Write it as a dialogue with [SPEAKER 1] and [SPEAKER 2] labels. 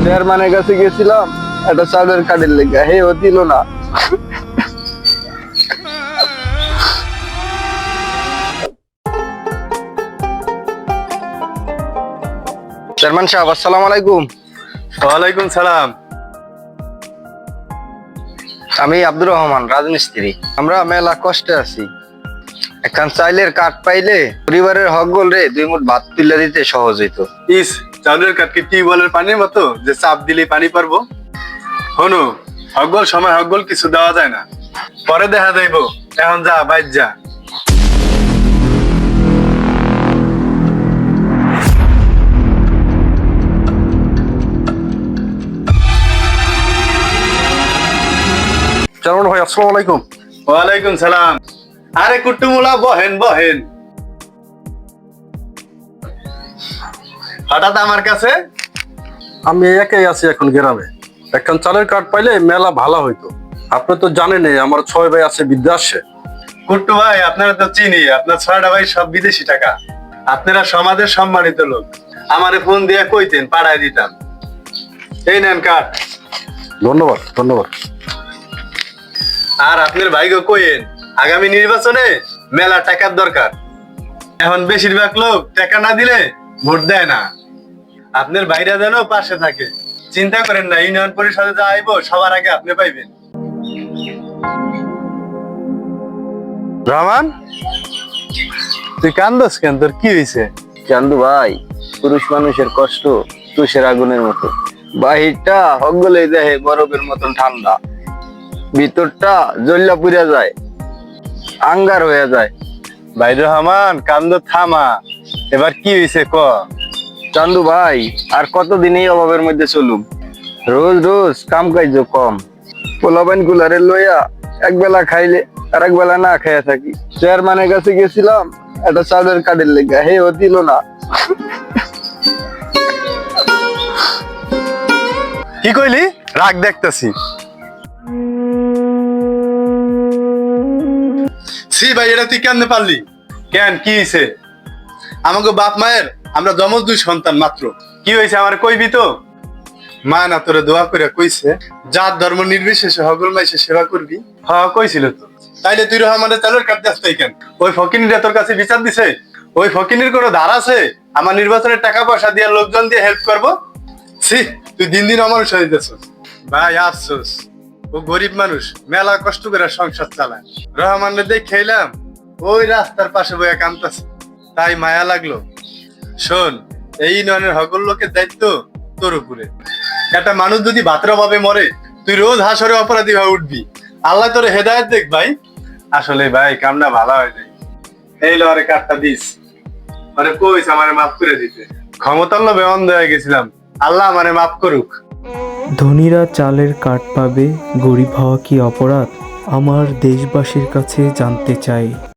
[SPEAKER 1] চেয়ারম্যানের কাছে গেছিলাম একটা চাউলের কার্ডের লেগে, হে ও দিল না। চেয়ারম্যান সাহেব, আসসালামু আলাইকুম।
[SPEAKER 2] ওয়ালাইকুম সালাম।
[SPEAKER 1] আমি আব্দুর রহমান, রাজমিস্ত্রি। আমরা মেলা কষ্টে আছি, এখন চাইলের কাঠ পাইলে পরিবারের হক গোল রে 2 মুঠ ভাত তুলে দিতে সহজ হইতো।
[SPEAKER 2] ইস, চাউলের কাঠকে টিউবওয়েলের পানির মতো যে চাপ দিলেই পানি পারবো? হনু, হকগোল সময় হকগোল কিছু দেওয়া যায় না, পরে দেখা যাইব। এখন যা, বাইর যা।
[SPEAKER 1] চেয়ারম্যান ভাই, আসসালামু আলাইকুম।
[SPEAKER 2] ওয়ালাইকুম সালাম। আরে কুট্টুমুলা, বহেন বহেন। হঠাৎ আমার কাছে?
[SPEAKER 3] আমি একাই আছি এখন গ্রামে। এখন চালের কার্ড পাইলে মেলা ভালো হইতো। আপনি তো জানেনই আমার 6 ভাই আছে বিদেশে।
[SPEAKER 2] কুট্টু ভাই, আপনারা তো চিনি, আপনার 6টা ভাই সব বিদেশি টাকা। আপনারা সমাজের সম্মানিত লোক, আমারে ফোন দিয়ে কইতেন, পাঠায় দিতাম। এই নেন কাঠ।
[SPEAKER 3] ধন্যবাদ ধন্যবাদ।
[SPEAKER 2] আর আপনার ভাইকে কইেন, আগামী নির্বাচনে মেলা টাকার দরকার। এখন বেশিরভাগ লোক টাকা না দিলে ভোট দেয় না। আপনার ভাইরা যেন পাশে থাকে। চিন্তা করেন না, ইউনিয়ন পরিষদে যা আইবো সবার আগে আপনি পাইবেন। রহমান, তুই কান্দস কেন? তোর কি হয়েছে?
[SPEAKER 1] চান্দু ভাই, পুরুষ মানুষের কষ্ট তুষের আগুনের মতো। বাহিরটা হক গোলে দেহে বরফের মতন ঠান্ডা, ভিতরটা জ্বললা পুড়ে যায়, আঙ্গার হয়ে যায়।
[SPEAKER 2] ভাই রহমান, কান্দ থামা। এবার কি হয়েছে ক?
[SPEAKER 1] চান্দু ভাই, আর কতদিন এই অভাবের মধ্যে চলুম? রোজ রোজ কাম কাজ কম, পোলাপাইন কুলারে লইয়া একবেলা খাইলে আর একবেলা না খাইয়া থাকি। চেয়ারম্যানের কাছে গেছিলাম একটা চাউলের কার্ডের লেগে, হে ও দিল না।
[SPEAKER 2] কি কইলি? রাগ দেখতেছি। সি ভাই, এটা তুই কেমনে পারলি? কেন, কি হয়েছে? আমাকে বাপ মায়ের আমরা যমজ 2 সন্তান মাত্র। কি হয়েছে আমার কইবি তো? মা না তোরে দোয়া করে কইছে, জাত ধর্ম নির্বিশেষে হগল মাইসে সেবা করবি। হ্যাঁ, কইছিল তো। তাইলে তুই রহমানের চালের কাট যাস তাই কেন? ওই ফকিনিরা তোর কাছে বিচার দিছে? ওই ফকিনির কোনো ধার আছে আমার নির্বাচনের টাকা পয়সা দিয়ে লোকজন দিয়ে হেল্প করবো? ছি, তুই দিন দিন অমানুষ হয়ে যাচ্ছিস। ভাই আফসোস, ও গরিব মানুষ, মেলা কষ্ট করে সংসার চালায়। রহমানের দিয়ে খেলাম, ওই রাস্তার পাশে বইয়া কামতাছে, তাই মায়া লাগলো। শোন, এই ইউনিয়নের সকল লোকের দায়িত্ব তোর উপরে। একটা মানুষ যদি ভাতের অভাবে মরে, তুই রোজ হাসরে অপরাধী হয়ে উঠবি। আল্লাহ তোর হেদায়েত দেখ ভাই। আসলে ভাই, কামনা ভালো হয় নাই। এই লরে কাটটা দিস, মানে কইস আমারে মাফ করে দিতে। ক্ষমতার লোভে অন্ধ হয়ে গেছিলাম, আল্লাহ আমারে মাফ করুক।
[SPEAKER 4] ধনীরা চালের কার্ড পাবে, গরিব হওয়া কি অপরাধ? আমার দেশবাসীর কাছে জানতে চাই।